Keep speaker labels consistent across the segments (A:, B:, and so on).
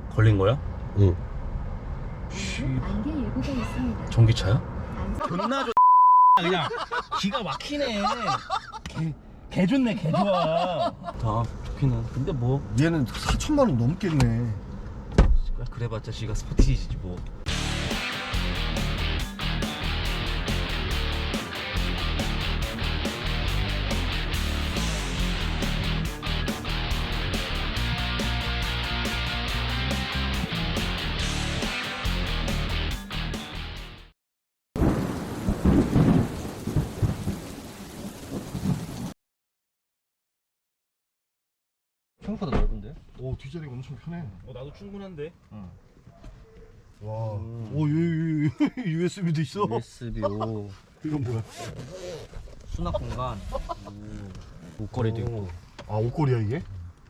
A: 걸린 거야?
B: 응.
C: 안개 예보가 있습니다.
A: 전기차야?
D: 존나 좋 그냥 기가 막히네. 개 좋네, 개 좋아.
A: 다 좋기는. 근데 뭐
B: 얘는 4천만 원 넘겠네.
A: 그래봤자 지가 스포티지지 뭐.
D: 생각보다 넓은데?
B: 오, 뒷자리가 엄청 편해.
A: 나도 충분한데.
B: 와. 오, USB도 있어.
D: USB-O
B: 이건 뭐야?
D: 수납 공간. 옷걸이도 있고.
B: 아, 옷걸이야 이게?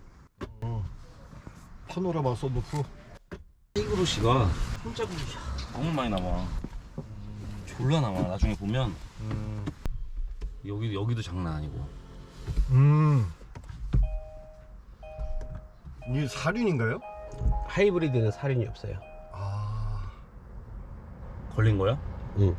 B: 파노라마 썬루프.
A: 이그로시가 손자국이 너무 많이 남아. 졸라 남아. 나중에 보면 여기도 장난 아니고.
B: 이게 사륜인가요?
E: 하이브리드는 사륜이 없어요.
B: 아.
A: 걸린 거야?
E: 응.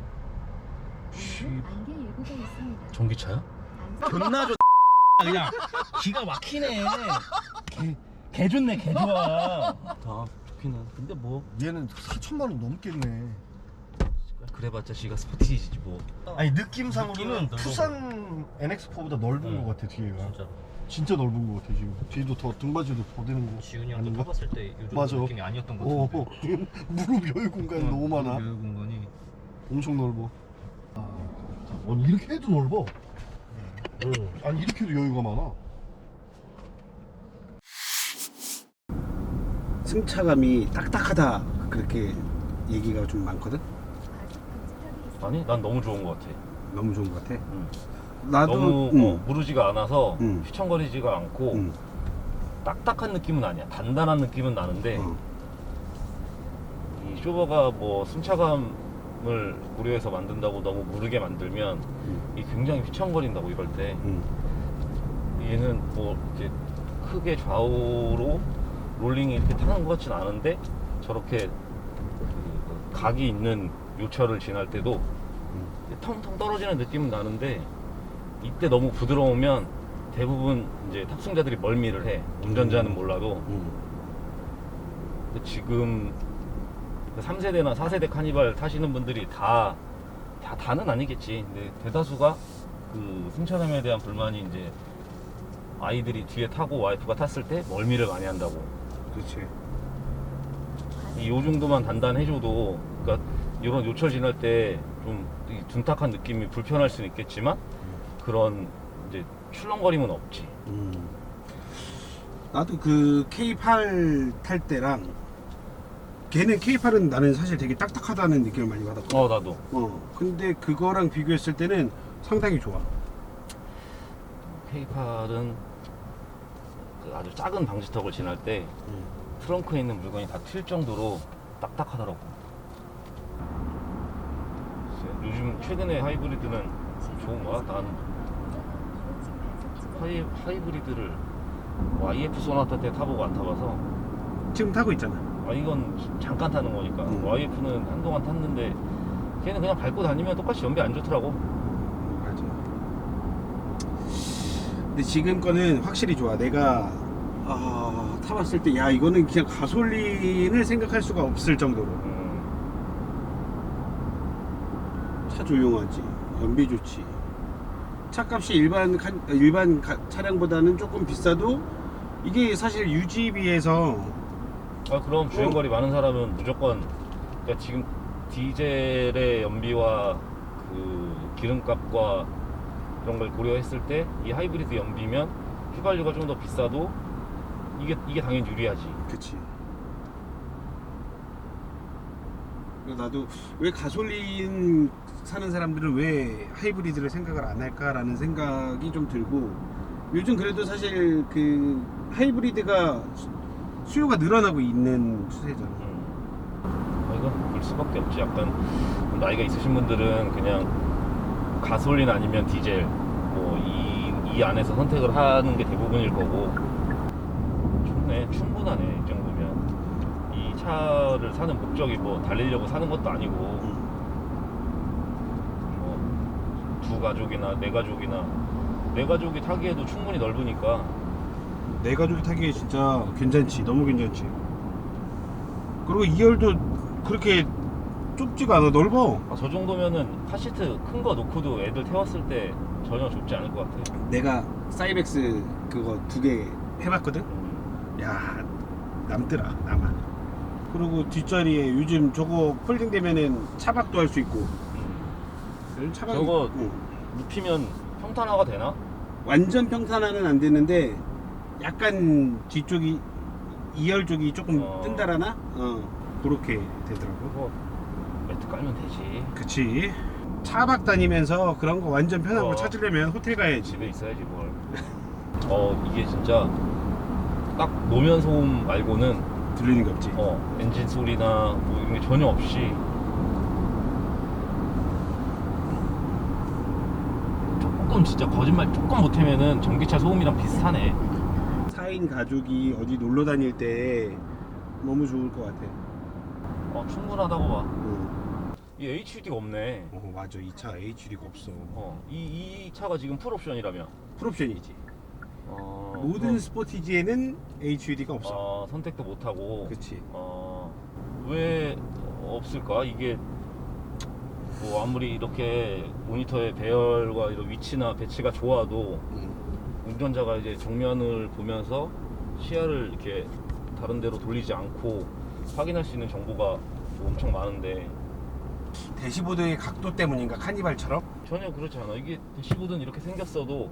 C: 안개 예보가 있습니다.
A: 전기차야?
D: 존나 좋 그냥 기가 막히네. 개 좋네, 개 좋아.
A: 다 좋기는. 근데 뭐
B: 얘는 4천만 원 넘겠네.
A: 그래봤자 지가 스포티지지 뭐.
B: 아니, 느낌상으로는
D: 느낌은 넓어.
B: 투싼 NX4보다 넓은 것 같아, 뒤에가.
D: 진짜.
B: 진짜 넓은 것 같아, 지금. 뒤도 더 등받이도 더 되는 거.
D: 지훈이 형도
B: 아닌가?
D: 타봤을 때 요즘
B: 맞아.
D: 느낌이 아니었던 것
B: 오,
D: 같은데.
B: 지금 무릎 여유 공간이 너무 많아.
D: 여유 공간이.
B: 엄청 넓어. 아니, 이렇게 해도 넓어. 아니, 이렇게 해도 여유가 많아.
E: 승차감이 딱딱하다 그렇게 얘기가 좀 많거든.
A: 아니 난 너무 좋은 것 같아.
E: 너무 좋은 것 같아.
A: 응.
E: 나도
A: 너무 무르지가 않아서
E: 응.
A: 휘청거리지가 않고
E: 응.
A: 딱딱한 느낌은 아니야. 단단한 느낌은 나는데
E: 어.
A: 이 쇼버가 뭐 승차감을 고려해서 만든다고 너무 무르게 만들면 이 굉장히 휘청거린다고 이럴 때
E: 응.
A: 얘는 뭐 이렇게 크게 좌우로 롤링이 이렇게 타는 것 같진 않은데 저렇게 그 각이 있는 요철을 지날 때도 텅텅 떨어지는 느낌은 나는데 이때 너무 부드러우면 대부분 이제 탑승자들이 멀미를 해. 운전자는 몰라도. 근데 지금 3세대나 4세대 카니발 타시는 분들이 다는 아니겠지. 근데 대다수가 그 승차감에 대한 불만이 이제 아이들이 뒤에 타고 와이프가 탔을 때 멀미를 많이 한다고.
E: 그렇지.
A: 요 정도만 단단해줘도, 그러니까 이런 요철 지날 때 좀 둔탁한 느낌이 불편할 수는 있겠지만 그런 이제 출렁거림은 없지.
E: 나도 그 K8 탈 때랑 걔는 K8은 나는 사실 되게 딱딱하다는 느낌을 많이 받았거든.
A: 나도.
E: 근데 그거랑 비교했을 때는 상당히 좋아.
A: K8은 그 아주 작은 방지턱을 지날 때 트렁크에 있는 물건이 다 튈 정도로 딱딱하더라고. 요즘 최근에 하이브리드는 좋은 거야? 난 하이브리드를 YF 소나타 때 타보고 안 타봐서.
E: 지금 타고 있잖아.
A: 이건 잠깐 타는 거니까.
E: 음.
A: YF는 한동안 탔는데 걔는 그냥 밟고 다니면 똑같이 연비 안 좋더라고.
E: 맞아. 근데 지금 거는 확실히 좋아. 내가 타봤을 때 야 이거는 그냥 가솔린을 생각할 수가 없을 정도로 차 조용하지, 연비 좋지. 차값이 일반 차량보다는 조금 비싸도 이게 사실 유지비에서
A: 그럼 주행거리 많은 사람은 무조건, 그러니까 지금 디젤의 연비와 그 기름값과 이런 걸 고려했을 때 이 하이브리드 연비면 휘발유가 좀 더 비싸도 이게 당연히 유리하지.
E: 그치. 나도 왜 가솔린 사는 사람들은 왜 하이브리드를 생각을 안 할까라는 생각이 좀 들고, 요즘 그래도 사실 그 하이브리드가 수요가 늘어나고 있는 추세잖아.
A: 이건 그럴 수밖에 없지. 약간 나이가 있으신 분들은 그냥 가솔린 아니면 디젤 뭐 이 안에서 선택을 하는 게 대부분일 거고. 좋네, 충분하네 이 정도면. 이 차를 사는 목적이 뭐 달리려고 사는 것도 아니고 뭐 두 가족이나 네 가족이 타기에도 충분히 넓으니까.
E: 내 가족이 타기에 진짜 괜찮지. 너무 괜찮지. 그리고 2열도 그렇게 좁지가 않아. 넓어.
A: 저 정도면은 카시트 큰 거 놓고도 애들 태웠을 때 전혀 좁지 않을 것 같아.
E: 내가 사이벡스 그거 2개 해봤거든. 야, 남더라. 남아. 그리고 뒷자리에 요즘 저거 폴딩 되면은 차박도 할 수 있고. 이런 차박이
A: 저거
E: 있고.
A: 눕히면 평탄화가 되나?
E: 완전 평탄화는 안 되는데 약간 뒤쪽이 2열 쪽이 조금 뜬다라나? 그렇게 되더라고.
A: 그거 매트 깔면 되지.
E: 그치. 차박 다니면서 그런 거 완전 편한 거 찾으려면 호텔 가야지.
A: 집에 있어야지 뭘. 이게 진짜 딱 노면 소음 말고는
E: 들리는 게 없지.
A: 엔진 소리나 뭐 이런 게 전혀 없이 조금 진짜 거짓말 조금 못하면은 전기차 소음이랑 비슷하네.
E: 4인 가족이 어디 놀러 다닐 때 너무 좋을 것 같아.
A: 충분하다고 봐.
E: 응.
A: 이 HUD가 없네.
E: 맞아. 이 차 HD가 없어.
A: 이 차가 지금 풀옵션이라며.
E: 풀옵션이지. 모든
A: 그럼,
E: 스포티지에는 HUD가 없어.
A: 선택도 못하고.
E: 그치.
A: 왜 없을까? 이게 뭐 아무리 이렇게 모니터의 배열과 이런 위치나 배치가 좋아도 운전자가 이제 정면을 보면서 시야를 이렇게 다른 데로 돌리지 않고 확인할 수 있는 정보가 엄청 많은데
E: 대시보드의 각도 때문인가? 카니발처럼?
A: 전혀 그렇지 않아. 이게 대시보드는 이렇게 생겼어도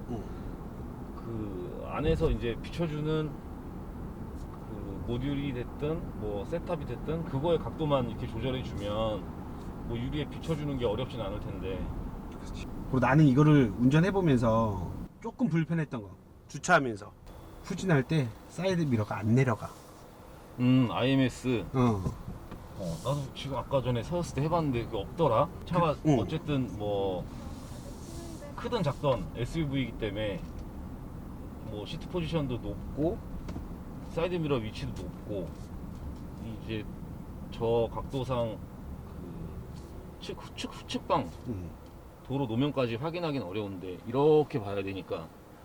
A: 그 안에서 이제 비춰주는 그 모듈이 됐든 뭐 셋탑이 됐든 그거의 각도만 이렇게 조절해 주면 뭐 유리에 비춰주는 게 어렵진 않을 텐데.
E: 그리고 나는 이거를 운전해보면서 조금 불편했던 거, 주차하면서 후진할 때 사이드 미러가 안 내려가.
A: IMS. 나도 지금 아까 전에 세웠을 때 해봤는데 그게 없더라. 차가 어쨌든 뭐 크든 작든 SUV이기 때문에 뭐 시트 포지션도 높고 사이드 미러 위치도 높고 이제 저 각도상 그 후측방 도로 노면까지 확인하기는 어려운데 이렇게 봐야 되니까.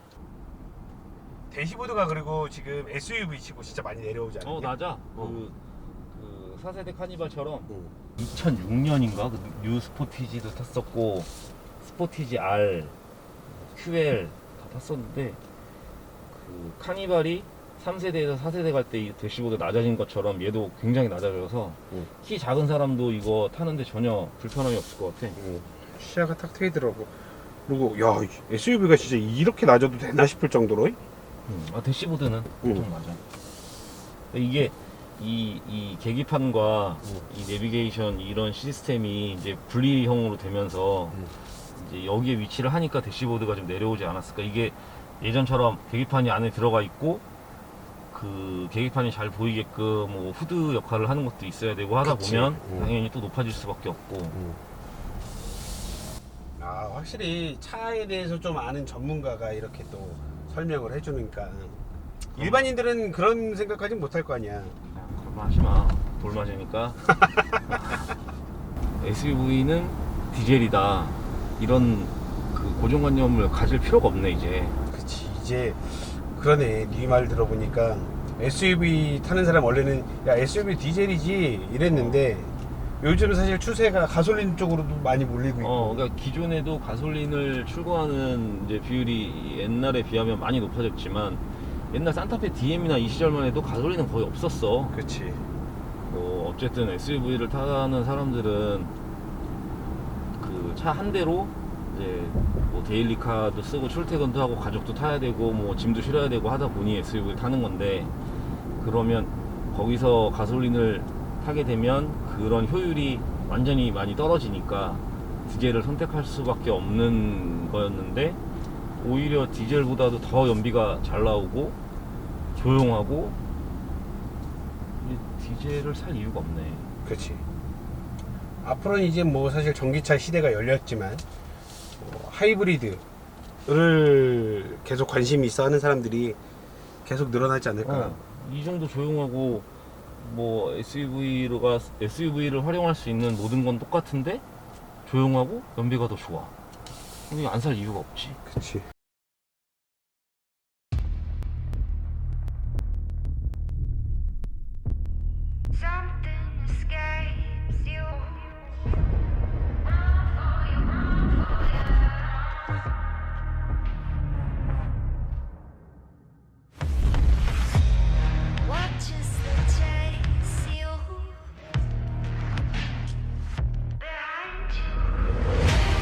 E: 대시보드가 그리고 지금 SUV 치고 진짜 많이 내려오지 않냐?
A: 낮아. 그 4세대 카니발처럼 2006년인가 그 뉴 스포티지도 탔었고 스포티지 R, QL 다 탔었는데 그 카니발이 3세대에서 4세대 갈 때 이 대시보드 낮아진 것처럼 얘도 굉장히 낮아져서 키 작은 사람도 이거 타는데 전혀 불편함이 없을 것 같아.
E: 시야가 탁 트이더라고. 그리고 야, SUV가 진짜 이렇게 낮아도 되나 싶을 정도로.
A: 대시보드는 보통 맞아. 이게 이 계기판과 이 내비게이션 이런 시스템이 이제 분리형으로 되면서 이제 여기에 위치를 하니까 대시보드가 좀 내려오지 않았을까. 이게 예전처럼 계기판이 안에 들어가 있고 그 계기판이 잘 보이게끔 뭐 후드 역할을 하는 것도 있어야 되고 하다
E: 그치.
A: 보면 당연히 또 높아질 수밖에 없고.
E: 확실히 차에 대해서 좀 아는 전문가가 이렇게 또 설명을 해주니까 일반인들은 그런 생각까지 못할 거 아니야.
A: 그런 말 하지 마. 돌 맞으니까. SUV는 디젤이다. 이런 그 고정관념을 가질 필요가 없네 이제.
E: 그치, 이제 그러네. 네 말 들어보니까 SUV 타는 사람 원래는 야 SUV 디젤이지 이랬는데 요즘 사실 추세가 가솔린 쪽으로도 많이 몰리고 있고.
A: 그러니까 기존에도 가솔린을 출고하는 이제 비율이 옛날에 비하면 많이 높아졌지만 옛날 산타페 DM이나 이 시절만 해도 가솔린은 거의 없었어.
E: 그치.
A: 뭐 어쨌든 SUV를 타는 사람들은 그 차 한 대로 이제 뭐 데일리카도 쓰고 출퇴근도 하고 가족도 타야 되고 뭐 짐도 실어야 되고 하다 보니 SUV를 타는 건데, 그러면 거기서 가솔린을 타게 되면 그런 효율이 완전히 많이 떨어지니까 디젤을 선택할 수밖에 없는 거였는데, 오히려 디젤보다도 더 연비가 잘 나오고 조용하고 디젤을 살 이유가 없네.
E: 그렇지. 앞으로는 이제 뭐 사실 전기차 시대가 열렸지만 하이브리드를 계속 관심이 있어 하는 사람들이 계속 늘어나지 않을까.
A: 이 정도 조용하고 뭐 SUV를 활용할 수 있는 모든 건 똑같은데 조용하고 연비가 더 좋아. 안 살 이유가 없지.
E: 그치.
F: Something escapes you. Watches the chase you behind you.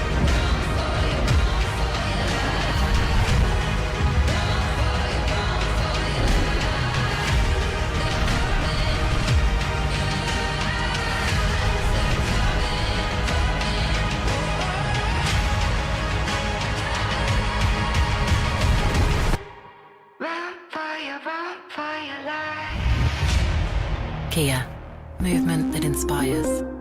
F: Run for your life.
G: Kia, movement that inspires.